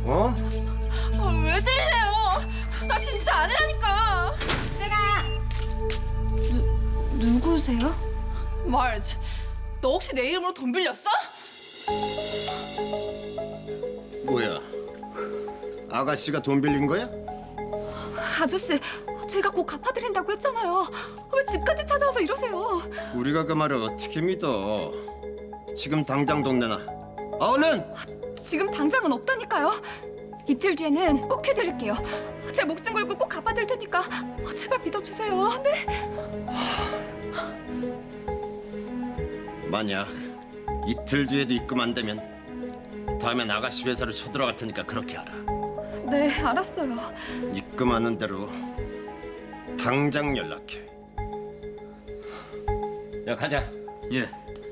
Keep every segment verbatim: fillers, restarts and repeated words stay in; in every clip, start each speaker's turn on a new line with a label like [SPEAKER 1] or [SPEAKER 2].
[SPEAKER 1] 어?
[SPEAKER 2] 아, 왜 들려요? 나 진짜 아니라니까.
[SPEAKER 3] 세라. 누 누구세요?
[SPEAKER 2] 말지, 너 혹시 내 이름으로 돈 빌렸어?
[SPEAKER 1] 뭐야? 아가씨가 돈 빌린 거야?
[SPEAKER 3] 아저씨, 제가 꼭 갚아드린다고 했잖아요. 왜 집까지 찾아와서 이러세요?
[SPEAKER 1] 우리가 그 말을 어떻게 믿어? 지금 당장 돈 내놔. 아, 얼른!
[SPEAKER 3] 지금 당장은 없다니까요. 이틀 뒤에는 꼭 해드릴게요. 제 목숨 걸고 꼭 갚아드릴 테니까 제발 믿어주세요. 네?
[SPEAKER 1] 만약 이틀 뒤에도 입금 안 되면 다음엔 아가씨 회사로 쳐들어갈 테니까 그렇게 알아.
[SPEAKER 3] 네, 알았어요.
[SPEAKER 1] 입금하는 대로 당장 연락해. 야, 가자.
[SPEAKER 4] 예.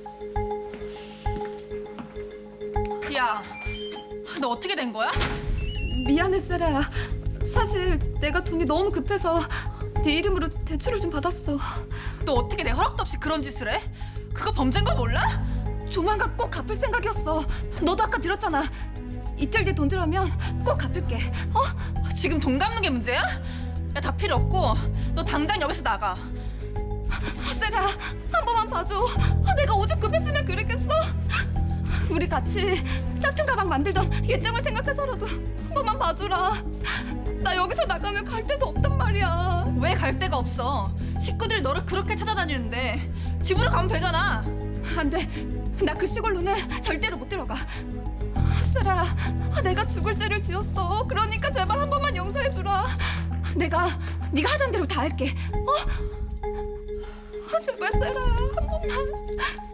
[SPEAKER 2] 야, 너 어떻게 된 거야?
[SPEAKER 3] 미안해, 세라야. 사실 내가 돈이 너무 급해서 네 이름으로 대출을 좀 받았어.
[SPEAKER 2] 너 어떻게 내 허락도 없이 그런 짓을 해? 그거 범죄인 걸 몰라?
[SPEAKER 3] 조만간 꼭 갚을 생각이었어. 너도 아까 들었잖아. 이틀 뒤에 돈 들어오면 꼭 갚을게. 어?
[SPEAKER 2] 지금 돈 갚는 게 문제야? 야, 다 필요 없고 너 당장 여기서 나가.
[SPEAKER 3] 세라, 한 번만 봐줘. 아, 내가 오죽 급했으면 그랬겠어? 우리 같이 짝퉁 가방 만들던 예정을 생각해서라도 한 번만 봐줘라. 나 여기서 나가면 갈 데도 없단 말이야.
[SPEAKER 2] 왜 갈 데가 없어? 식구들이 너를 그렇게 찾아다니는데 집으로 가면 되잖아.
[SPEAKER 3] 안 돼. 나 그 시골로는 절대로 못 들어가. 세라, 내가 죽을 죄를 지었어. 그러니까 제발 한 번만 용서해주라. 내가 네가 하던 대로 다 할게. 어? 아, 제발 세라야, 한 번만.